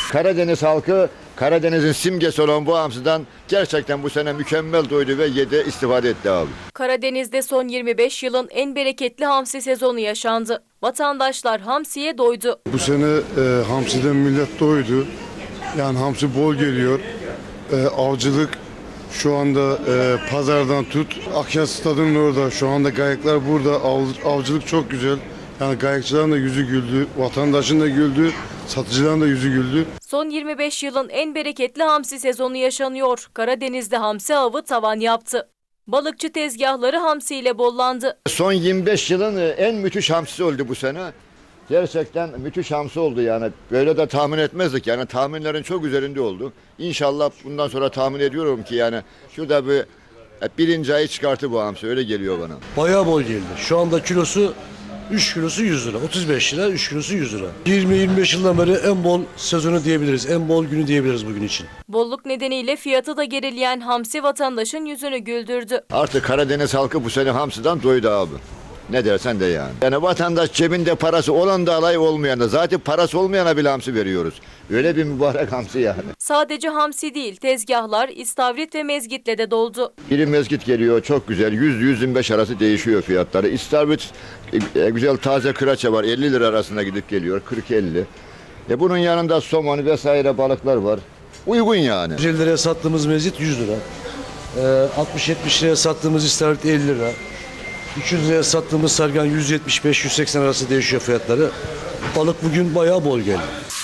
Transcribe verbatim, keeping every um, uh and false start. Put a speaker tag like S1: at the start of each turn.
S1: Karadeniz halkı Karadeniz'in simgesi olan bu hamsiden gerçekten bu sene mükemmel doydu ve yedi, istifade etti abi.
S2: Karadeniz'de son yirmi beş yılın en bereketli hamsi sezonu yaşandı. Vatandaşlar hamsiye doydu.
S3: Bu sene e, hamsiden millet doydu. Yani hamsi bol geliyor. E, avcılık şu anda e, pazardan tut. Akyaz stadının orada. Şu anda gayaklar burada. Av, avcılık çok güzel. Yani gayakçıların da yüzü güldü. Vatandaşın da güldü. Satıcıların da yüzü güldü.
S2: Son yirmi beş yılın en bereketli hamsi sezonu yaşanıyor. Karadeniz'de hamsi avı tavan yaptı. Balıkçı tezgahları hamsiyle bollandı.
S1: Son yirmi beş yılın en müthiş hamsisi oldu bu sene. Gerçekten müthiş hamsi oldu yani. Böyle de tahmin etmezdik yani, tahminlerin çok üzerinde oldu. İnşallah bundan sonra tahmin ediyorum ki yani şurada bir birinci ayı çıkartı bu hamsi, öyle geliyor bana.
S4: Bayağı bol geldi. Şu anda kilosu üç kilosu yüz lira. otuz beş lira, üç kilosu yüz lira. yirmi yirmi beş yıldan beri en bol sezonu diyebiliriz. En bol günü diyebiliriz bugün için.
S2: Bolluk nedeniyle fiyatı da gerileyen hamsi vatandaşın yüzünü güldürdü.
S1: Artık Karadeniz halkı bu sene hamsiden doydu abi. Ne dersen de yani. Yani vatandaş cebinde parası olan da alay, olmayan da. Zaten parası olmayana bile hamsi veriyoruz. Öyle bir mübarek hamsi yani.
S2: Sadece hamsi değil, tezgahlar istavrit ve mezgitle de doldu.
S1: Biri mezgit geliyor, çok güzel. yüz yüz yirmi beş arası değişiyor fiyatları. İstavrit e, güzel taze kıraça var. elli lira arasında gidip geliyor. kırk elli. E bunun yanında somon vesaire balıklar var. Uygun yani.
S4: yüz elli liraya sattığımız mezgit yüz lira. Ee, altmış yetmiş liraya sattığımız istavrit elli lira. iki yüz liraya sattığımız sargan yüz yetmiş beş yüz seksen arası değişiyor fiyatları. Balık bugün bayağı bol geldi.